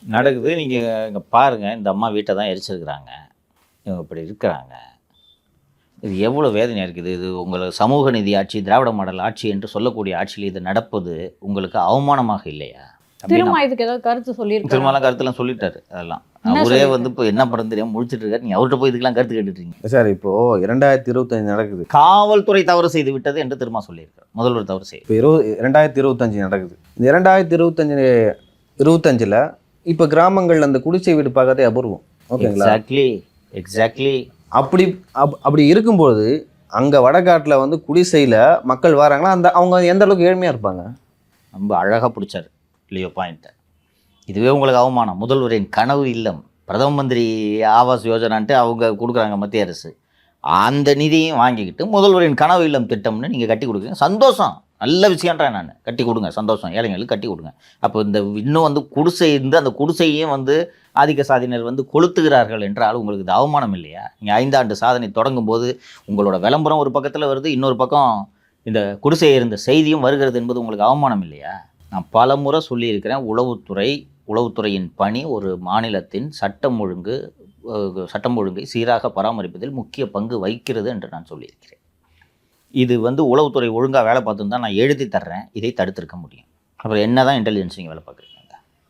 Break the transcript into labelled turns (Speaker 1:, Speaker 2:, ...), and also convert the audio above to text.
Speaker 1: நடக்குது. நீங்கள் இங்கே பாருங்கள், இந்த அம்மா வீட்டை தான் எரிச்சிருக்கிறாங்க, இவங்க இப்படி இருக்கிறாங்க. இது எவ்வளோ வேதனையாக இருக்குது. இது உங்களுக்கு சமூக நீதி ஆட்சி, திராவிட மாடல் ஆட்சி என்று சொல்லக்கூடிய ஆட்சியில் இது நடப்பது உங்களுக்கு அவமானமாக இல்லையா?
Speaker 2: திரும்ப இதுக்கு ஏதாவது கருத்து சொல்லியிருக்காரு?
Speaker 1: திருமலாம் கருத்துலாம் சொல்லிட்டாரு. அதெல்லாம் அவரே வந்து இப்போ என்ன படம் தெரியாமல் முடிச்சுட்டு இருக்காரு. நீங்கள் அவர்கிட்ட போய் இதுக்கெல்லாம் கருத்து கேட்டுட்ருக்கீங்க
Speaker 3: சார். இப்போது 2025 நடக்குது.
Speaker 1: காவல்துறை தவறு செய்து விட்டது என்று திரும்ப சொல்லியிருக்காரு. முதல்வர் தவறு செய்யும்.
Speaker 3: இப்போ 2025 நடக்குது. இந்த 2025 இப்போ கிராமங்கள் அந்த குடிசை வீடு பார்க்கறதே அபூர்வம். ஓகேங்களா?
Speaker 1: எக்ஸாக்ட்லி.
Speaker 3: அப்படி இருக்கும்போது அங்கே வடகாட்டில் வந்து குடிசையில் மக்கள் வராங்களா, அவங்க எந்த அளவுக்கு ஏழ்மையாக இருப்பாங்க?
Speaker 1: ரொம்ப அழகாக பிடிச்சார் இல்லையோ பாயிண்ட்டை. இதுவே உங்களுக்கு அவமானம். முதல்வரின் கனவு இல்லம், பிரதம மந்திரி ஆவாஸ் யோஜனான்ட்டு அவங்க கொடுக்குறாங்க மத்திய அரசு. அந்த நிதியும் வாங்கிக்கிட்டு முதல்வரின் கனவு இல்லம் திட்டம்னு நீங்கள் கட்டி கொடுக்குறீங்க. சந்தோஷம், நல்ல விஷயன்றேன் நான். கட்டி கொடுங்க, சந்தோஷம், ஏழைங்களுக்கு கட்டி கொடுங்க. அப்போ இந்த இன்னும் வந்து குடிசை இருந்து அந்த குடிசையும் வந்து ஆதிக்க சாதியினர் வந்து கொளுத்துகிறார்கள் என்றால் உங்களுக்கு இது அவமானம் இல்லையா? நீங்கள் 5 ஆண்டு சாதனை தொடங்கும் போது உங்களோட விளம்பரம் ஒரு பக்கத்தில் வருது, இன்னொரு பக்கம் இந்த குடிசை இருந்த செய்தியும் வருகிறது என்பது உங்களுக்கு அவமானம் இல்லையா? நான் பல முறை சொல்லியிருக்கிறேன், உளவுத்துறையின் பணி ஒரு மாநிலத்தின் சட்டம் ஒழுங்கை சீராக பராமரிப்பதில் முக்கிய பங்கு வகிக்கிறது என்று நான் சொல்லியிருக்கிறேன். இது வந்து உளவுத்துறை ஒழுங்காக வேலை பார்த்துன்னு தான் நான் எழுதி தர்றேன். இதை தடுத்திருக்க முடியும். அப்புறம் என்ன தான் இன்டெலிஜென்ஸ் நீங்கள் வேலை பார்க்குறீங்க?